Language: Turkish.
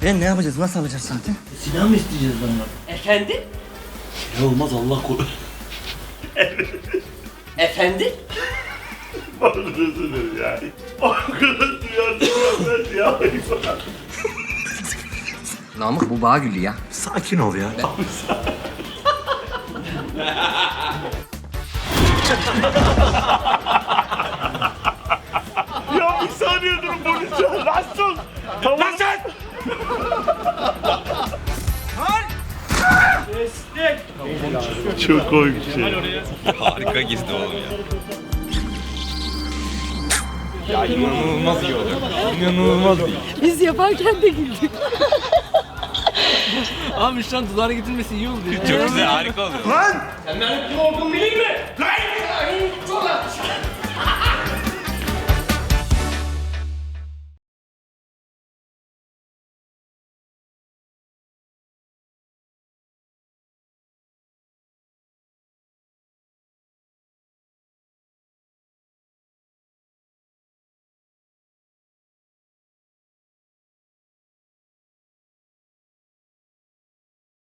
Ne yapacağız? Nasıl alacağız zaten? Silah mı isteyeceğiz ondan? Efendim? Ya olmaz Allah korusun. Efendim? Özür dilerim ya. O kadar duyarsın ya. Namık bu bağ gülü ya. Sakin ol ya. Ya bir saniye durun polis ya. Nasıl? Tamam. Nasıl? Çok komik bir şey. Harika girdi oğlum ya. Ya inanılmaz iyi oldu. İnanılmaz iyi. Biz yaparken de güldük. Abi şu an dudağına getirmesi iyi oldu ya. Çok güzel harika oldu. Lan! Sen benim kim olduğumu bileyim mi? Lan! Çok haklısın.